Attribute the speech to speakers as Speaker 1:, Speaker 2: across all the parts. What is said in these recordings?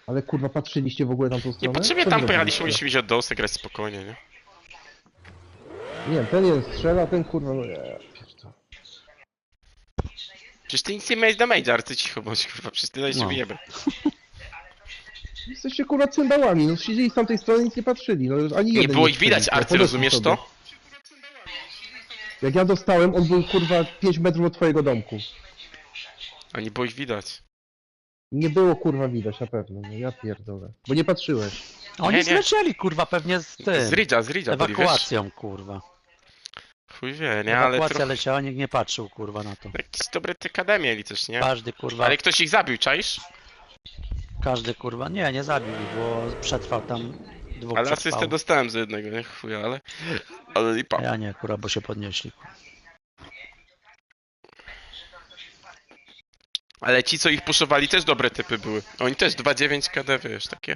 Speaker 1: Ale kurwa, patrzyliście w ogóle na tą stronę?
Speaker 2: Niepotrzebnie
Speaker 1: Co
Speaker 2: tam
Speaker 1: wy
Speaker 2: pojechaliśmy,
Speaker 1: robiliście?
Speaker 2: mieliśmy iść od dołu, grać spokojnie, nie?
Speaker 1: Nie wiem, ten jeden strzela, ten kurwa, no nie, pierdolę.
Speaker 2: Przecież ty nic nie miałeś damage'a, ale ty cicho bądź, kurwa, przecież ty dałeś się
Speaker 3: No.
Speaker 2: wyjebę.
Speaker 1: Jesteście kurwa cymbałami, no siedzieli z tamtej strony i nic nie patrzyli, no ani
Speaker 2: Nie
Speaker 1: jeden
Speaker 2: było
Speaker 1: nie
Speaker 2: ich widać,
Speaker 1: strzelił,
Speaker 2: Arty,
Speaker 1: podeszli
Speaker 2: rozumiesz
Speaker 1: sobie.
Speaker 2: to?
Speaker 1: Jak ja dostałem, on był kurwa 5 metrów od twojego domku.
Speaker 2: A nie było ich widać.
Speaker 1: Nie było kurwa widać na pewno, no ja pierdolę. Bo nie patrzyłeś.
Speaker 3: Oni
Speaker 2: Nie.
Speaker 3: zlecieli, kurwa, pewnie z tym.
Speaker 2: Z Ridge'a byli, wiesz?
Speaker 3: Ewakuacją, kurwa.
Speaker 2: Chuj wie, nie? Ale
Speaker 3: Ewakuacja
Speaker 2: trochę...
Speaker 3: leciała, nikt nie patrzył, kurwa, na to.
Speaker 2: Jakieś dobre TKD mieli też, nie?
Speaker 3: Każdy, kurwa,
Speaker 2: Ale ktoś ich zabił, czaisz?
Speaker 3: każdy, kurwa, nie zabił ich, bo przetrwał tam, dwóch
Speaker 2: Ale
Speaker 3: przetrwało.
Speaker 2: asystę dostałem z jednego, nie? Chuj, ale... Ale lipa.
Speaker 3: Ja nie, kurwa, bo się podnieśli. Kurwa.
Speaker 2: Ale ci, co ich puszowali, też dobre typy były. Oni też 2,9 KD, wiesz, takie.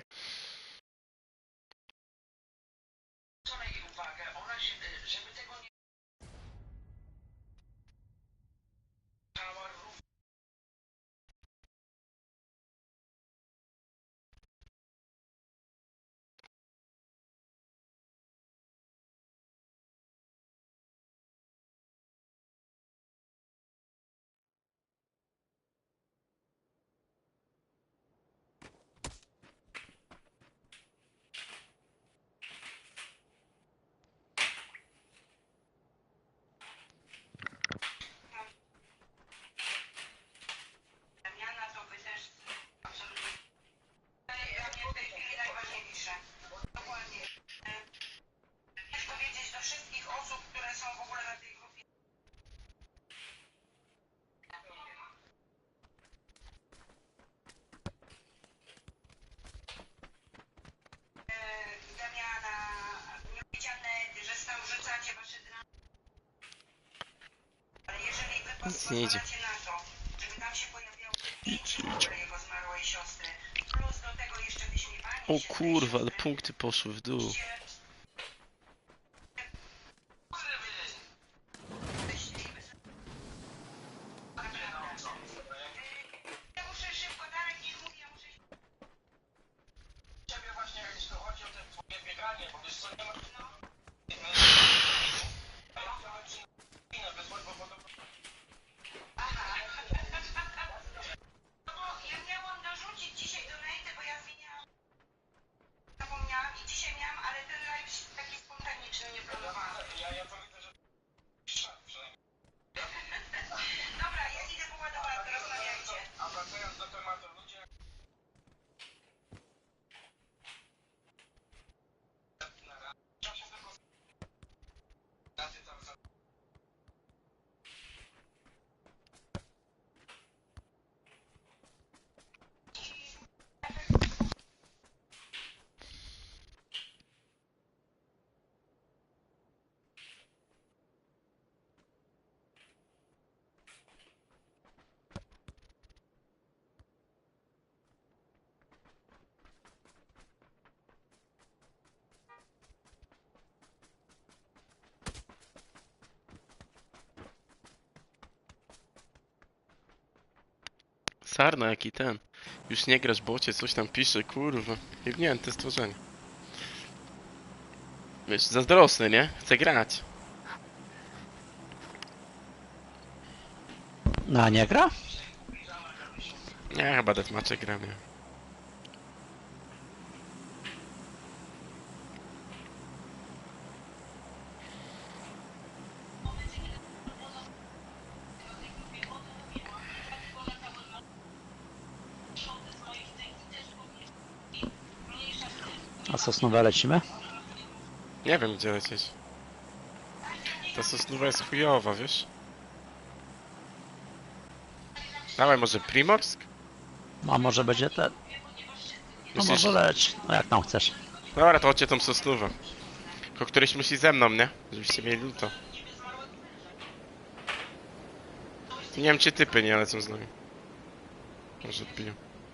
Speaker 2: Nic nie idzie. Idź. O kurwa, ale punkty poszły w dół. Sarna, jaki ten. Już nie grasz bocie, coś tam pisze, kurwa. Jebnięte stworzenie. Wiesz, zazdrosny, nie? Chce grać.
Speaker 3: No, a nie gra?
Speaker 2: Nie, chyba deathmatche gram, nie.
Speaker 3: A Sosnowe lecimy?
Speaker 2: Nie wiem, gdzie lecieć. Ta Sosnowa jest chujowa, wiesz? Dawaj, może Primorsk?
Speaker 3: A może będzie ten? No
Speaker 2: Myślisz?
Speaker 3: może leć, no jak tam chcesz.
Speaker 2: Dobra, to chodźcie tą Sosnówę. Tylko któryś musi ze mną, nie? Żebyście mieli to. Nie wiem, czy typy nie lecą z nami. Może odbiją.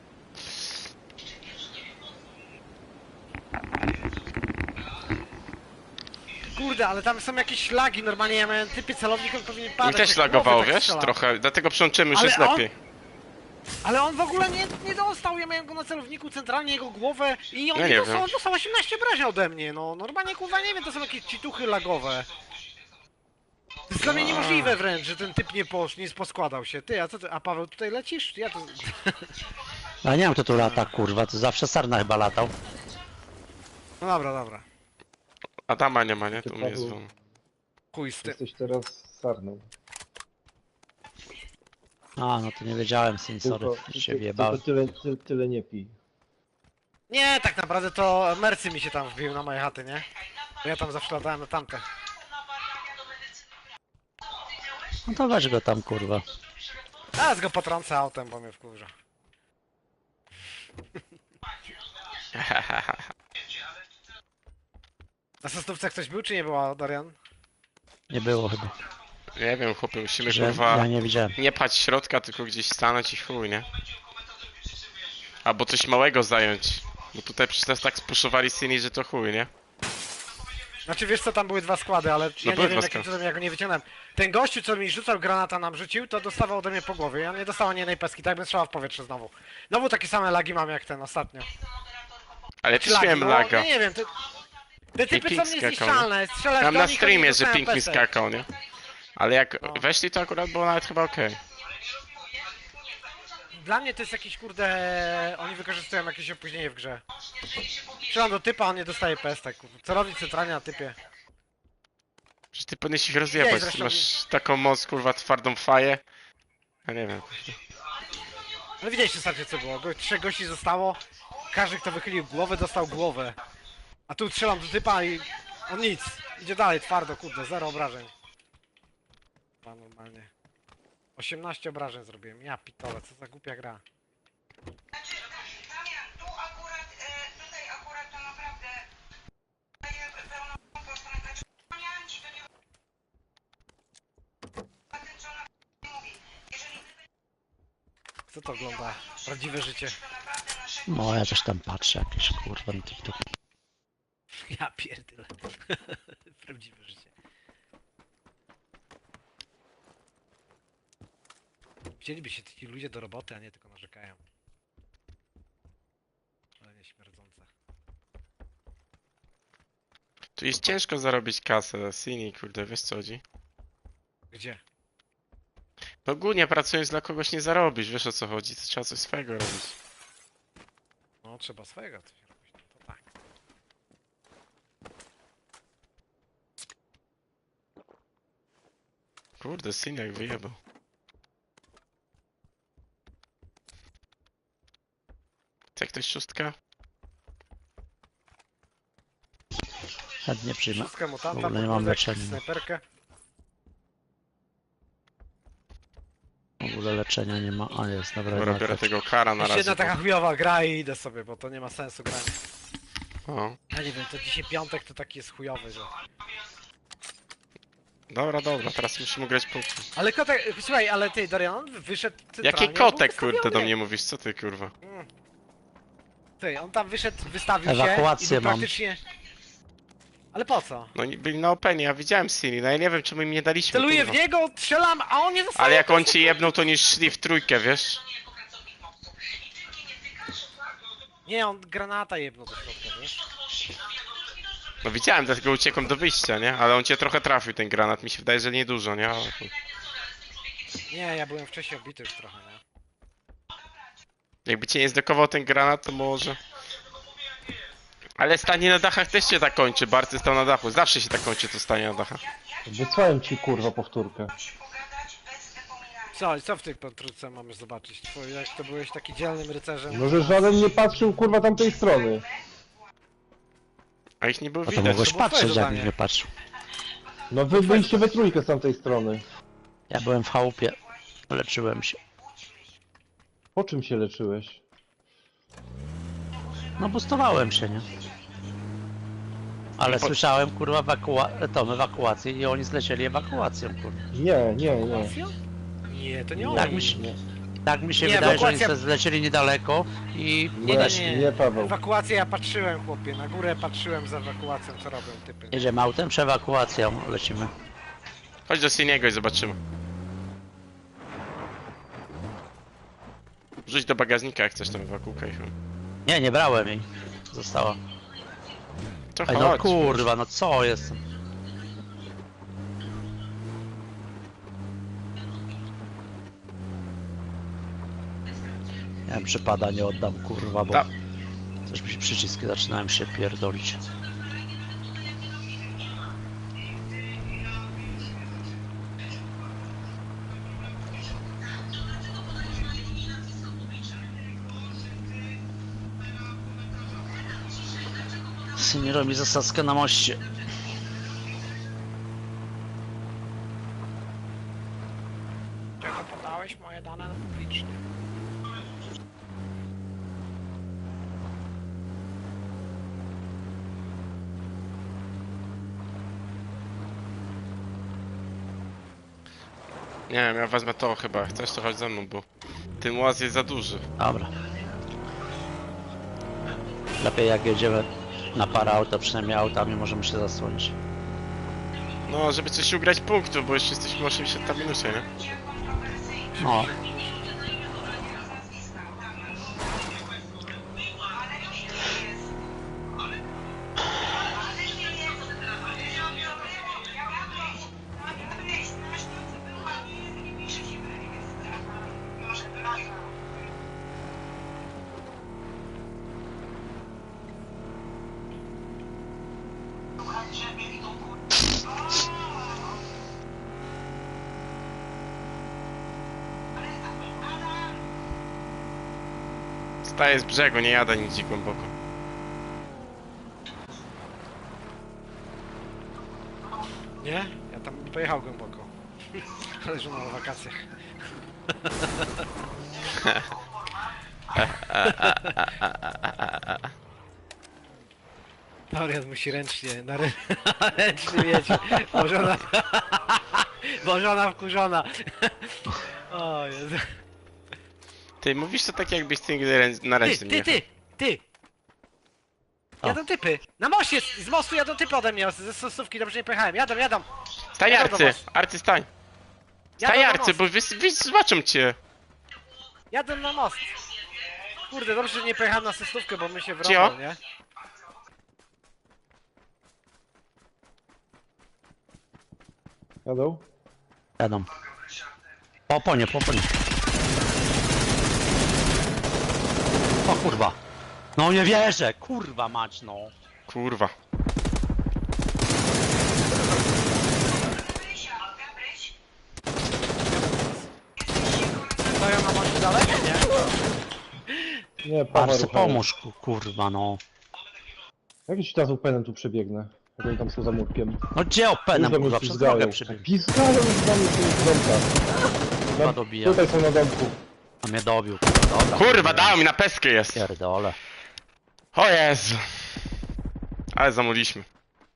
Speaker 4: Kurde, ale tam są jakieś lagi, normalnie ja miałem typy celownik, on powinien padać.
Speaker 2: Mi też
Speaker 4: jak
Speaker 2: lagowało,
Speaker 4: głowy tak
Speaker 2: wiesz?
Speaker 4: strzela.
Speaker 2: Trochę, dlatego przełączymy, już
Speaker 4: Ale
Speaker 2: jest
Speaker 4: on-
Speaker 2: lepiej.
Speaker 4: Ale on w ogóle nie dostał, ja miałem go na celowniku centralnie, jego głowę i on
Speaker 2: Ja
Speaker 4: nie
Speaker 2: nie
Speaker 4: dostał,
Speaker 2: wiem.
Speaker 4: on dostał 18 obrażeń ode mnie, no. Normalnie kurwa nie wiem, to są jakieś cituchy lagowe. To jest dla mnie niemożliwe wręcz, że ten typ nie poskładał się. Ty, a co ty, a Paweł tutaj lecisz? Ja to...
Speaker 3: Ja nie wiem kto tu lata, kurwa, to zawsze Sarna chyba latał.
Speaker 4: No dobra, dobra.
Speaker 2: Adama nie ma, nie?
Speaker 1: Ty,
Speaker 2: Tu mnie jest
Speaker 1: Paweł.
Speaker 2: wolno.
Speaker 4: Chuj z tym.
Speaker 1: Jesteś teraz sarną.
Speaker 3: A, no to nie wiedziałem, syn, sorry, się wjebałem.
Speaker 1: Tyle nie pij.
Speaker 4: Nie, tak naprawdę to Mercy mi się tam wbił na moje chaty, nie? Bo ja tam zawsze latałem na tamkę.
Speaker 3: No to weź go tam, kurwa.
Speaker 4: Teraz go potrącę autem, bo mnie wkurza. Na sostówce ktoś był, czy nie była, Dorian?
Speaker 3: Nie było chyba.
Speaker 2: Nie wiem, chłopie, musimy
Speaker 3: Że
Speaker 2: kurwa...
Speaker 3: ja nie widziałem.
Speaker 2: Nie pchać środka, tylko gdzieś stanąć i chuj, nie? Albo coś małego zająć. Bo tutaj przecież nas tak spuszowali Cini, że to chuj, nie?
Speaker 4: Znaczy wiesz co, tam były dwa składy, ale ja
Speaker 2: były
Speaker 4: nie wiem
Speaker 2: dwa
Speaker 4: jakim
Speaker 2: składy.
Speaker 4: cudem ja go nie wyciągnąłem. Ten gościu, co mi rzucał granata nam rzucił, to dostawał ode mnie po głowie. Ja nie dostałem ani jednej peski, tak jakbym strzelał w powietrze znowu. Znowu takie same lagi mam jak ten ostatnio.
Speaker 2: Ale
Speaker 4: Czy
Speaker 2: też miałem
Speaker 4: no,
Speaker 2: laga.
Speaker 4: nie wiem, te typy
Speaker 2: Pink
Speaker 4: są
Speaker 2: skakał,
Speaker 4: niezniszczalne, strzelasz
Speaker 2: Mam
Speaker 4: do
Speaker 2: na
Speaker 4: nich,
Speaker 2: streamie,
Speaker 4: oni
Speaker 2: że
Speaker 4: dostają
Speaker 2: Pink mi
Speaker 4: pesek.
Speaker 2: skakał, nie? Ale jak
Speaker 4: No.
Speaker 2: weszli, to akurat było nawet chyba okej.
Speaker 4: Dla mnie to jest jakiś kurde... Oni wykorzystują jakieś opóźnienie w grze. Strzelam do typa, on nie dostaje pestek. Co robić centralnie na typie?
Speaker 2: Przecież ty powinieneś ich rozjebać,
Speaker 4: zresztą-
Speaker 2: ty masz taką moc, kurwa, twardą faję. Ja nie wiem.
Speaker 4: Ale widzieliście ostatnio co było, trzech gości zostało. Każdy kto wychylił głowę dostał głowę. A tu strzelam do typa i... On nic. Idzie dalej, twardo, kurde, zero obrażeń. Ma normalnie. 18 obrażeń zrobiłem, ja pitole, co za głupia gra.
Speaker 5: Damian, tu akurat, tutaj akurat to naprawdę daje pełną postronę. Znaczy, wspomniałem ci, to nie... A tym, co ona mówi. Jeżeli wy
Speaker 4: Kto to ogląda? Prawdziwe życie.
Speaker 5: to naprawdę nasze...
Speaker 3: No ja coś tam patrzę, jakieś kurwa na TikTok.
Speaker 4: Ja pierdolę. Prawdziwe życie. Wzięliby się ci ludzie do roboty, a nie tylko narzekają. Ale nie śmierdzące.
Speaker 2: Tu jest ciężko zarobić kasę, Cini, kurde, wiesz co chodzi?
Speaker 4: Gdzie?
Speaker 2: No ogólnie pracując dla kogoś nie zarobisz, wiesz o co chodzi, to trzeba coś swojego robić.
Speaker 4: No trzeba swojego coś robić, no to tak.
Speaker 2: Kurde, Cini jak wyjebał. Chce ktoś szóstka?
Speaker 3: Chętnie przyjmę.
Speaker 4: Wszystko mutanta,
Speaker 3: W ogóle nie mam
Speaker 4: podwózek,
Speaker 3: leczenia.
Speaker 4: snajperkę.
Speaker 3: W ogóle leczenia nie ma. A jest, dobra.
Speaker 2: Dobra,
Speaker 3: jednak
Speaker 2: biorę
Speaker 3: tak.
Speaker 2: tego kara na
Speaker 4: Jeszcze jedna
Speaker 2: razie.
Speaker 4: taka chujowa gra i idę sobie, bo to nie ma sensu grania.
Speaker 2: O,
Speaker 4: Ja nie wiem, to dzisiaj piątek to taki jest chujowy, że...
Speaker 2: dobra, teraz musimy grać po...
Speaker 4: Ale kotek, słuchaj, ale ty Dorian, on wyszedł centralnie,
Speaker 2: Jaki
Speaker 4: był
Speaker 2: kotek, kurde, do
Speaker 4: wystawiony.
Speaker 2: mnie mówisz, co ty, kurwa?
Speaker 4: Ty, on tam wyszedł, wystawił się i
Speaker 3: Ewakuację
Speaker 4: był
Speaker 3: mam.
Speaker 4: praktycznie... Ale po co?
Speaker 2: No oni byli na openie, ja widziałem Cini, no ja nie wiem czemu im nie daliśmy,
Speaker 4: Celuję w
Speaker 2: kurwa.
Speaker 4: niego, strzelam, a on nie dostaje.
Speaker 2: Ale jak on cię jebnął, to nie szli w trójkę, wiesz?
Speaker 4: Nie, on granata jebnął do środka, wiesz?
Speaker 2: No widziałem, dlatego uciekłem do wyjścia, nie? Ale on cię trochę trafił, ten granat, mi się wydaje, że nie dużo, nie? Ale...
Speaker 4: Nie, ja byłem wcześniej obity już trochę, nie?
Speaker 2: Jakby cię nie zdekował ten granat, to może... Ale stanie na dachach też się tak kończy, Barty stał na dachu, zawsze się tak kończy to stanie na dachach.
Speaker 1: Wysłałem ci kurwa powtórkę.
Speaker 5: pogadać bez wypominania.
Speaker 4: Co w tej potrójce mamy zobaczyć? Twój, jak to byłeś taki dzielnym rycerzem?
Speaker 1: No że żaden nie patrzył kurwa tamtej strony.
Speaker 2: A ich nie było
Speaker 3: A to
Speaker 2: widać.
Speaker 3: mogłeś
Speaker 4: to było twoje
Speaker 3: patrzeć, jak
Speaker 4: zadanie.
Speaker 3: nie patrzył.
Speaker 1: No wy byliście we trójkę z tamtej strony.
Speaker 3: Ja byłem w chałupie. Leczyłem się.
Speaker 1: Po czym się leczyłeś?
Speaker 3: No boostowałem się, nie? Ale słyszałem, kurwa, ewakuację i oni zlecieli ewakuacją, kurwa.
Speaker 1: Nie.
Speaker 4: Nie, to nie
Speaker 3: Tak
Speaker 4: oni.
Speaker 3: mi się, tak mi się
Speaker 4: Nie,
Speaker 3: wydaje, że oni
Speaker 4: ewakuacja-
Speaker 3: sobie zlecieli niedaleko i...
Speaker 1: Nie, Paweł.
Speaker 4: Ewakuację ja patrzyłem, chłopie, na górę patrzyłem za ewakuacją, co robią typy.
Speaker 3: Jedziemy autem czy ewakuacją? Lecimy.
Speaker 2: Chodź do Siniego i zobaczymy. Rzuć do bagażnika jak chcesz tam ewakułkę i chuj.
Speaker 3: Nie, nie brałem jej. Została.
Speaker 2: To
Speaker 3: Ej,
Speaker 2: chodź.
Speaker 3: no kurwa, no co jest? Nie wiem, przypada, nie oddam, kurwa, bo
Speaker 2: Da.
Speaker 3: coś mi się przyciski zaczynają się pierdolić. Nie robi zasadzkę na moście.
Speaker 4: Czego podałeś moje dane publicznie?
Speaker 2: Nie wiem, ja wezmę to chyba. Chcesz to chodź ze mną, bo ten łaz jest za duży.
Speaker 3: Dobra. Lepiej jak jedziemy na parę auta, przynajmniej autami możemy się zasłonić.
Speaker 2: No, żeby coś ugrać punktów, bo jeszcze jesteśmy 80 na minusie, nie?
Speaker 3: No,
Speaker 2: Staję z brzegu, nie jadę nigdzie głęboko.
Speaker 4: Nie? Ja tam nie pojechał głęboko. Ale że na wakacjach. Dorian musi ręcznie, ręcznie mieć. Bo żona wkurzona. O Jezu.
Speaker 2: Ty mówisz to tak jakbyś ty nigdy na ręce nie jechał.
Speaker 4: Ty!
Speaker 3: O.
Speaker 4: Jadą typy! Na moście! Z mostu jadą typy ode mnie, ze stosówki, dobrze nie pojechałem. Jadą!
Speaker 2: Stań
Speaker 4: Jadą do
Speaker 2: Arcy!
Speaker 4: was.
Speaker 2: Arcy stań!
Speaker 4: Jadą
Speaker 2: Stań
Speaker 4: na
Speaker 2: Arcy,
Speaker 4: most.
Speaker 2: bo zobaczą cię!
Speaker 4: Jadę na most! Kurde, dobrze, że nie pojechałem na stosówkę, bo my się
Speaker 2: Cio?
Speaker 4: wrąbał, nie?
Speaker 1: Jadą?
Speaker 3: jadą. Po oponie, po oponie. O kurwa. No nie wierzę, kurwa mać no.
Speaker 2: Kurwa.
Speaker 4: Stoją na moście dalej? Nie?
Speaker 1: Nie, Paweł.
Speaker 3: Arsy, pomóż kurwa no.
Speaker 1: Jakiś czas openem tu przebiegnę. Jak oni tam są za murkiem.
Speaker 3: No gdzie openem
Speaker 1: Już do mnie
Speaker 3: kurwa, przez
Speaker 1: pizgają.
Speaker 3: drogę przybiegł.
Speaker 1: Pizgają już do mnie z domka.
Speaker 3: Kurwa dobija.
Speaker 1: Tutaj są na domku.
Speaker 3: A mnie dobił, kurwa, dobra.
Speaker 2: Kurwa, dał mi na peskę jest!
Speaker 3: Pierdole.
Speaker 2: O Jezu! Ale zamuliliśmy.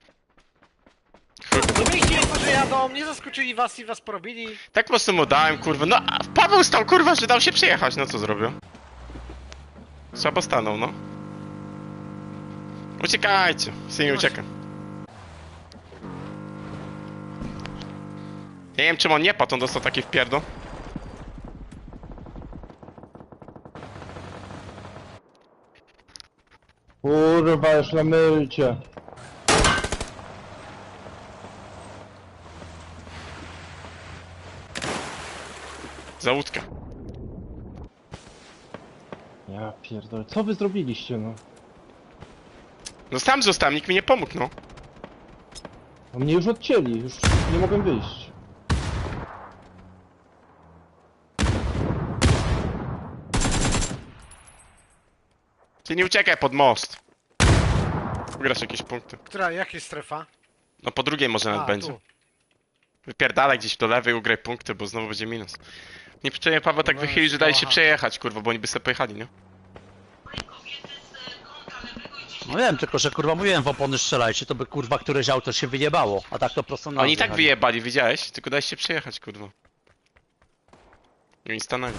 Speaker 4: Domyślili to, że jadą, nie zaskoczyli was i was porobili.
Speaker 2: Tak po prostu mu dałem, kurwa. No, a Paweł stał, kurwa, że dał się przejechać. No co zrobił? Słabo stanął, no. Uciekajcie. Sy nie ucieka. Ja nie wiem, czym on nie padł, on dostał taki wpierdol.
Speaker 1: Kurwa, już na mylcie.
Speaker 2: Za łódkę.
Speaker 1: Ja pierdolę, co wy zrobiliście, no?
Speaker 2: No sam zostałem, nikt mi nie pomógł, no.
Speaker 1: A mnie już odcięli, już nie mogłem wyjść.
Speaker 2: Ty nie uciekaj pod most. Ugrasz jakieś punkty.
Speaker 4: Jak jest strefa?
Speaker 2: No po drugiej może nawet będzie.
Speaker 4: Tu.
Speaker 2: Wypierdalaj gdzieś do lewej, ugraj punkty, bo znowu będzie minus. Nie przyczajnie Paweł tak
Speaker 4: Dobra,
Speaker 2: wychylił, że dali się
Speaker 4: aha.
Speaker 2: przejechać, kurwa, bo oni by sobie pojechali, nie?
Speaker 3: No wiem, tylko że kurwa mówiłem w opony strzelajcie, to by kurwa któreś auto się wyjebało, a tak to prosto na
Speaker 2: Oni i
Speaker 3: nas
Speaker 2: tak
Speaker 3: jechali.
Speaker 2: wyjebali, widziałeś? Tylko daj się przejechać, kurwa. I oni stanęli.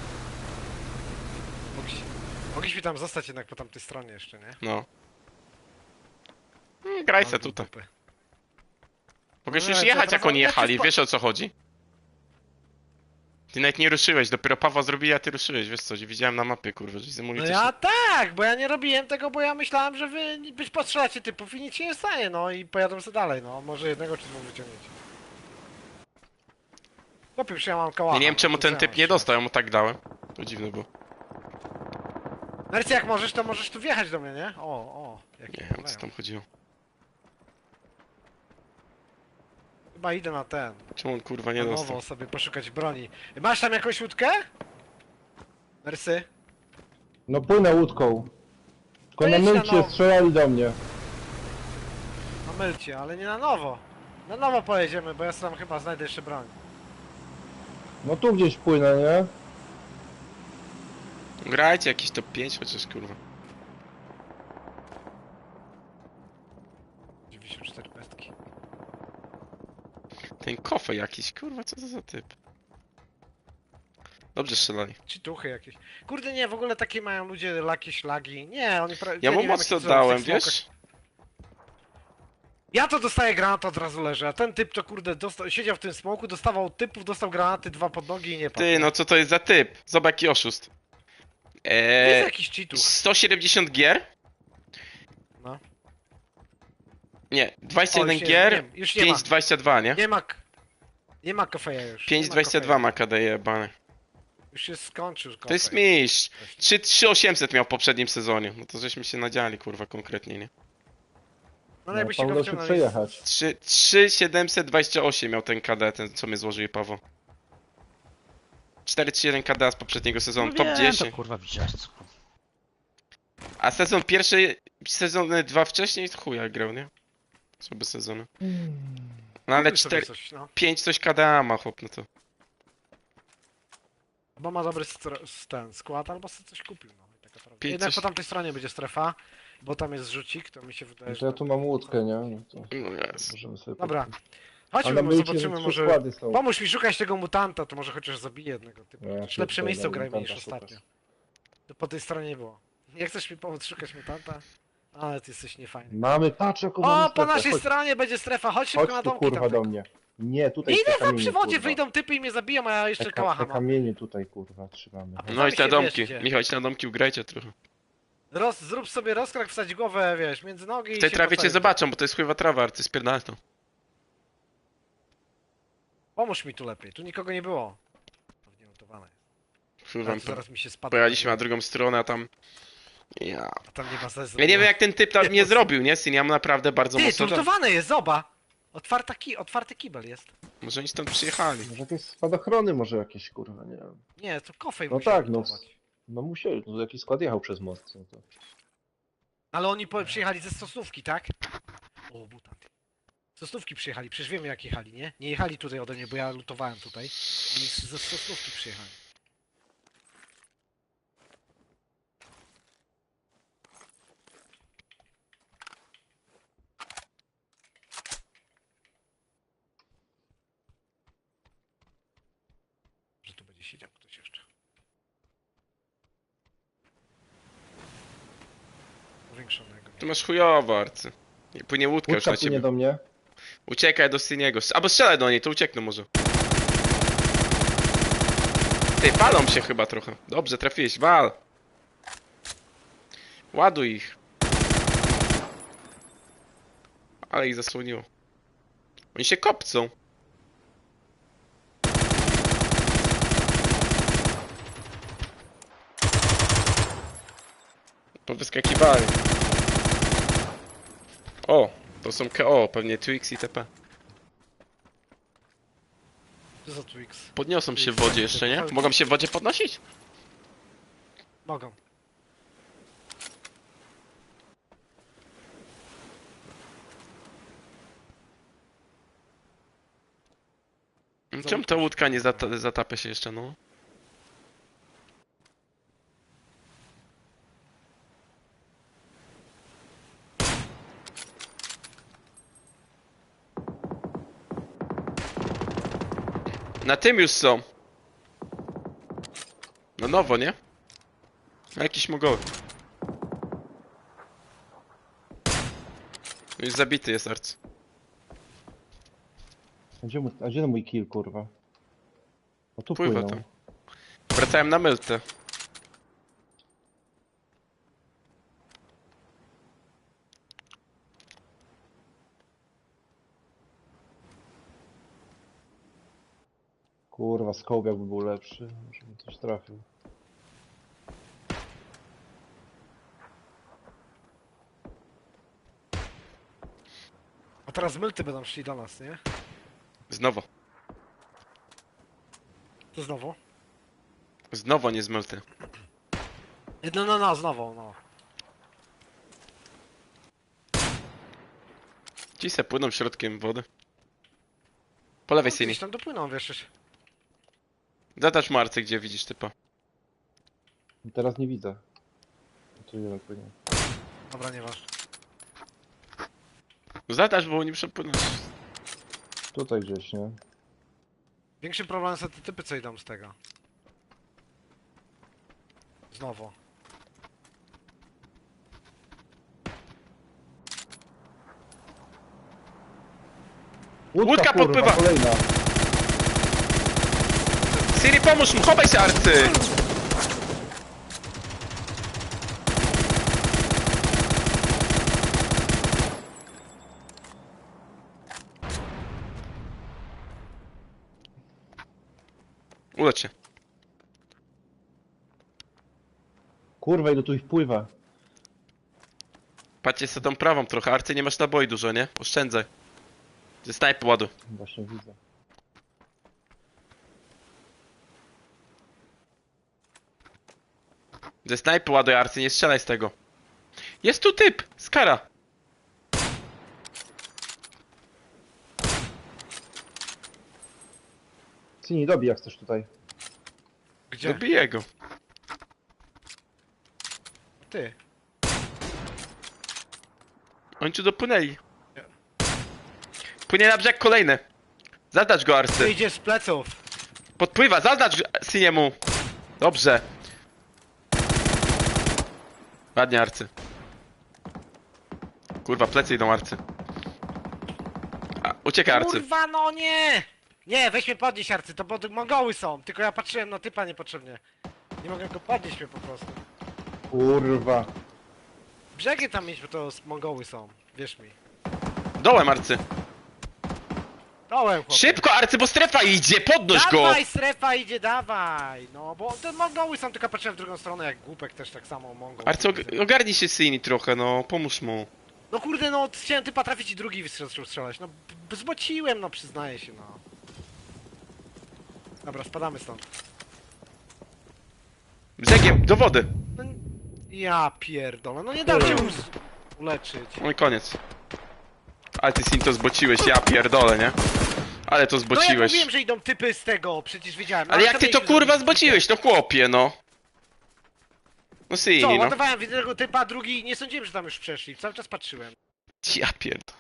Speaker 4: Mogliśmy tam zostać jednak po tamtej stronie jeszcze, nie?
Speaker 2: No. Graj se
Speaker 4: Ale
Speaker 2: tutaj.
Speaker 4: dupy.
Speaker 2: Mogłeś
Speaker 4: No,
Speaker 2: już
Speaker 4: ale
Speaker 2: jechać
Speaker 4: to
Speaker 2: jak oni
Speaker 4: jak się
Speaker 2: jechali,
Speaker 4: spo-
Speaker 2: wiesz o co chodzi? Ty nawet nie ruszyłeś, dopiero Pawła zrobili, a ty ruszyłeś, wiesz co, widziałem na mapie, kurwa, że
Speaker 4: No
Speaker 2: zymulujesz.
Speaker 4: ja tak, bo ja nie robiłem tego, bo ja myślałem, że wy być postrzelacie typów i nic się nie stanie, no i pojadą sobie dalej, no. Może jednego czy dwóch wyciągniecie. Chłopie, już ja mam kałacha.
Speaker 2: Ja nie wiem
Speaker 4: no,
Speaker 2: czemu
Speaker 4: to
Speaker 2: ten
Speaker 4: co ja
Speaker 2: typ
Speaker 4: mam
Speaker 2: nie
Speaker 4: strzelać?
Speaker 2: dostał, ja mu tak dałem. To dziwne było.
Speaker 4: Narcy, jak możesz, to możesz tu wjechać do mnie, nie? O, jak
Speaker 2: Nie wiem, co tam chodziło.
Speaker 4: Chyba idę na ten.
Speaker 2: Czemu on kurwa nie
Speaker 4: Na
Speaker 2: dostał?
Speaker 4: nowo sobie poszukać broni. Masz tam jakąś łódkę? Narcy?
Speaker 1: No płynę łódką. Tylko
Speaker 4: To
Speaker 1: na
Speaker 4: jedź na
Speaker 1: mylcie
Speaker 4: nowo.
Speaker 1: strzelali do mnie.
Speaker 4: Na mylcie, ale nie na nowo. Na nowo pojedziemy, bo ja sam chyba znajdę jeszcze broń.
Speaker 1: No tu gdzieś płynę, nie?
Speaker 2: Grajcie jakiś top 5 chociaż kurwa.
Speaker 4: 94 pestki.
Speaker 2: Ten kofę jakiś, kurwa, co to za typ? Dobrze strzelali.
Speaker 4: Czy tuchy jakieś. Kurde nie, w ogóle takie mają ludzie jakieś lagi. Nie, oni
Speaker 2: Ja mu
Speaker 4: nie wiem,
Speaker 2: mocno
Speaker 4: jakie
Speaker 2: dałem,
Speaker 4: w tych smokach.
Speaker 2: wiesz?
Speaker 4: Ja to dostaję granat, od razu leży, a ten typ to kurde siedział w tym smoku, dostawał typów, dostał granaty, dwa pod nogi i nie padł.
Speaker 2: Ty, no co to jest za typ? Zobacz jaki oszust.
Speaker 4: Jest jakiś cheatów.
Speaker 2: 170 gier?
Speaker 4: No.
Speaker 2: Nie, 21
Speaker 4: O, już nie-
Speaker 2: gier,
Speaker 4: nie, już nie ma.
Speaker 2: 5,22, nie?
Speaker 4: Nie ma kofeja już. nie ma
Speaker 2: 5,22
Speaker 4: kofeja.
Speaker 2: ma KD jebany.
Speaker 4: Już się skończył
Speaker 2: To jest
Speaker 4: kofej.
Speaker 2: mistrz. 3,800 miał w poprzednim sezonie. No to żeśmy się nadziali, kurwa, konkretnie, nie?
Speaker 4: No
Speaker 1: No,
Speaker 4: jakbyście go
Speaker 1: Paweł się
Speaker 4: wciągnęli.
Speaker 1: przejechać.
Speaker 2: 3,728 miał ten KD, ten co mnie złożył Paweł. 4,31 KD z poprzedniego sezonu,
Speaker 3: No
Speaker 2: top
Speaker 3: wiem,
Speaker 2: 10.
Speaker 3: to kurwa widziałeś co.
Speaker 2: A sezon pierwszy, sezony 2 wcześniej chuja grał, nie? Słabe sezony. No ale
Speaker 4: Kupił sobie
Speaker 2: 4,
Speaker 4: coś, no.
Speaker 2: 5 coś KDA ma chłop, no to.
Speaker 4: Bo ma dobry ten skład, albo sobie coś kupił, no. I taka prawda.
Speaker 2: Pięć
Speaker 4: Jednak
Speaker 2: coś-
Speaker 4: po tamtej stronie będzie strefa, bo tam jest rzucik, to mi się wydaje,
Speaker 1: No
Speaker 4: że...
Speaker 1: to ja tu mam łódkę, nie? No to
Speaker 2: No jest.
Speaker 1: możemy sobie
Speaker 4: Dobra.
Speaker 1: popłynąć. A
Speaker 4: Chodźmy,
Speaker 1: na
Speaker 4: może
Speaker 1: myjcie
Speaker 4: zobaczymy,
Speaker 1: 3
Speaker 4: może...
Speaker 1: składy są.
Speaker 4: Pomóż mi szukać tego mutanta, to może chociaż zabiję jednego typu.
Speaker 1: Ja
Speaker 4: Chociaż lepsze
Speaker 1: pierdolę,
Speaker 4: miejsce grajmy niż
Speaker 1: mutanta
Speaker 4: ostatnio.
Speaker 1: szukasz.
Speaker 4: To po tej stronie nie było. Nie chcesz mi pomóc szukać mutanta? Ale ty jesteś niefajny.
Speaker 1: Mamy, patrz jaką
Speaker 4: O,
Speaker 1: mamy
Speaker 4: po
Speaker 1: strefę.
Speaker 4: naszej
Speaker 1: Chodź,
Speaker 4: stronie będzie strefa, chodź szybko na
Speaker 1: chodź tu
Speaker 4: domki
Speaker 1: kurwa
Speaker 4: tam.
Speaker 1: do mnie. Nie, tutaj
Speaker 4: Nie
Speaker 1: te
Speaker 4: idę tam
Speaker 1: kamienie,
Speaker 4: przy wodzie,
Speaker 1: kurwa.
Speaker 4: wyjdą typy i mnie zabiją, a ja jeszcze
Speaker 1: Te
Speaker 4: kałacha
Speaker 1: te
Speaker 4: mam.
Speaker 1: kamienie tutaj kurwa trzymamy.
Speaker 4: A
Speaker 2: No
Speaker 4: Sami
Speaker 2: idź na
Speaker 4: się
Speaker 2: domki.
Speaker 4: bierzcie.
Speaker 2: Michał, idź na domki, ugrajcie trochę.
Speaker 4: Zrób sobie rozkrak, wsadź głowę, wiesz, między nogi i
Speaker 2: W tej
Speaker 4: się
Speaker 2: trawie cię
Speaker 4: postawisz.
Speaker 2: zobaczą, bo to jest chujwa trawa, arty spierdalną.
Speaker 4: Pomóż mi tu lepiej, tu nikogo nie było. Pewnie notowane.
Speaker 2: Chujwa,
Speaker 4: Ale to zaraz mi się spadło.
Speaker 2: pojechaliśmy na drugą stronę, a tam... Ja...
Speaker 4: A tam nie ma sensu.
Speaker 2: Ja nie wiem jak ten typ tam
Speaker 4: Nie,
Speaker 2: nie
Speaker 4: po-
Speaker 2: zrobił, nie? Syn, ja mu naprawdę bardzo
Speaker 4: Ty,
Speaker 2: mocno...
Speaker 4: turtowane jest, zoba! Otwarty kibel jest.
Speaker 2: Może oni stąd przyjechali.
Speaker 1: Może jakieś spadochrony może jakieś kurwa, nie wiem.
Speaker 4: Nie, to kofej
Speaker 1: No
Speaker 4: musiał
Speaker 1: tak, no.
Speaker 4: lutować.
Speaker 1: No musieli, no jakiś skład jechał przez most. No to.
Speaker 4: Ale oni przyjechali ze Sosnówki, tak? O, mutant. Z Sosnówki przyjechali, przecież wiemy jak jechali, nie? Nie jechali tutaj ode mnie, bo ja lutowałem tutaj. Oni ze Sosnówki przyjechali. Że tu będzie siedział ktoś jeszcze. Powiększonego.
Speaker 2: Tu masz chujowo, arcy. I płynie łódka już
Speaker 1: Łódka
Speaker 2: na
Speaker 1: płynie
Speaker 2: ciebie.
Speaker 1: do mnie.
Speaker 2: Uciekaj do Syniego. Albo strzelaj do niej, to uciekną może. Ty, palą się chyba trochę. Dobrze, trafiłeś, wal. Ładuj ich. Ale ich zasłoniło. Oni się kopcą. Powyskakiwali. O, to są KO, pewnie Twix i TP.
Speaker 4: Co za Twix?
Speaker 2: Podniosą się w wodzie jeszcze, nie? Mogą się w wodzie podnosić?
Speaker 4: Mogą.
Speaker 2: Czemu ta łódka nie zatapia się jeszcze, no? Na tym już są. No nowo, nie? A jakiś mogoły. Już zabity jest arc.
Speaker 1: A gdzie mój kill kurwa? O tu
Speaker 2: Pływa
Speaker 1: płyną.
Speaker 2: tam. Wracałem na myltę.
Speaker 1: Kurwa, scope jakby był lepszy, może bym coś trafił.
Speaker 4: A teraz mylty będą szli do nas, nie?
Speaker 2: Znowu.
Speaker 4: To znowu?
Speaker 2: Znowu nie z mylty.
Speaker 4: No, znowu, no.
Speaker 2: Ci se płyną środkiem wody. Po lewej
Speaker 4: No,
Speaker 2: syni.
Speaker 4: gdzieś tam dopłyną, wiesz, już.
Speaker 2: Zadacz mu Arce, gdzie widzisz typa.
Speaker 1: Teraz nie widzę. Tu jeden płynie.
Speaker 4: Dobra, nieważne.
Speaker 2: Zadacz, bo nie przepłynąć.
Speaker 1: Tutaj gdzieś, nie?
Speaker 4: Większym problemem są te typy, co idą z tego. Znowu.
Speaker 2: Łódka
Speaker 1: kurwa,
Speaker 2: podpływa.
Speaker 1: kolejna.
Speaker 2: Siri, pomóż mu, chowaj się Arcy! Ulecz się.
Speaker 1: Kurwa, ile tu ich pływa.
Speaker 2: Patrzcie sobie tą prawą trochę. Arcy, nie masz naboi dużo, nie? Oszczędzaj. Ze snajpy ładuj.
Speaker 1: Właśnie widzę.
Speaker 2: Ze snajpy ładuj, Arcy, nie strzelaj z tego. Jest tu typ! Skara!
Speaker 1: Cini, dobij jak chcesz tutaj.
Speaker 4: Gdzie?
Speaker 2: Zabiję go.
Speaker 4: Ty.
Speaker 2: Oni tu dopłynęli. Płynie na brzeg kolejny. Zadacz go,
Speaker 4: Ty
Speaker 2: Arcy.
Speaker 4: idziesz z pleców.
Speaker 2: Podpływa, zadacz Siniemu. Dobrze. Ładnie, Arcy. Kurwa, plecy idą, Arcy. A, ucieka, Arcy.
Speaker 4: Kurwa, no nie! Nie, weź mnie podnieść, Arcy, to bo Mongoły są. Tylko ja patrzyłem na typa niepotrzebnie. Nie mogę go podnieść mnie po prostu.
Speaker 1: Kurwa.
Speaker 4: Brzegi tam mieć, bo to Mongoły są. Wierz mi.
Speaker 2: Dołem, Arcy.
Speaker 4: Dołem, chłopie.
Speaker 2: Szybko, Arcy, bo strefa idzie, podnoś go!
Speaker 4: Dawaj, strefa idzie, dawaj! No, bo te Mongoły są, tylko patrzyłem w drugą stronę, jak głupek też tak samo Mongol.
Speaker 2: Arcy, ogarnij się Sini trochę, no, pomóż mu.
Speaker 4: No kurde, no, chciałem typa trafić i drugi zaczął strzelać. No, zbociłem, no, przyznaję się, no. Dobra, spadamy stąd.
Speaker 2: Brzegiem, do wody.
Speaker 4: No, ja pierdolę, no nie dam się uleczyć.
Speaker 2: No i koniec. Ale ty Sin to zbociłeś, ja pierdolę, nie? Ale to
Speaker 4: No ja
Speaker 2: zbociłeś.
Speaker 4: mówiłem, że idą typy z tego, przecież wiedziałem. No,
Speaker 2: Ale jak
Speaker 4: co
Speaker 2: ty to
Speaker 4: mieliśmy
Speaker 2: kurwa
Speaker 4: zrobić?
Speaker 2: zbociłeś, no chłopie, no. No
Speaker 4: Co,
Speaker 2: Sini, no.
Speaker 4: ładowałem jednego typa, drugi, nie sądziłem, że tam już przeszli. Cały czas patrzyłem.
Speaker 2: Ja pierdolę.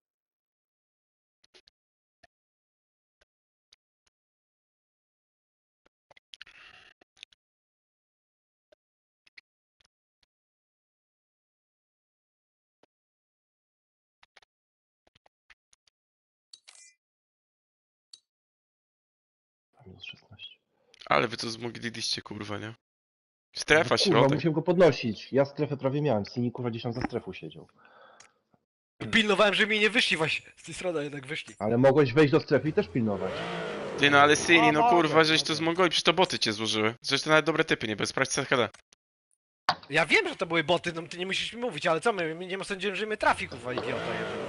Speaker 1: Minus 16.
Speaker 2: Ale wy to zmogliście, kurwa, nie? Strefa,
Speaker 1: Kurwa,
Speaker 2: środek.
Speaker 1: musiałem go podnosić. Ja strefę prawie miałem. Cini kurwa gdzieś tam za strefą siedział.
Speaker 4: Pilnowałem, że mi nie wyszli właśnie. Z tej strony jednak wyszli.
Speaker 1: Ale mogłeś wejść do strefy i też pilnować.
Speaker 2: Ty no, ale Sini, no
Speaker 4: O,
Speaker 2: kurwa,
Speaker 4: mogę,
Speaker 2: żeś to
Speaker 4: mogę.
Speaker 2: zmogoli, przecież to boty cię złożyły. Zresztą nawet dobre typy, nie? Bez sprawdź CHD.
Speaker 4: Ja wiem, że to były boty, no ty nie musisz mi mówić, ale co my nie sądziłem, że mnie trafi, kurwa, idiota jeden.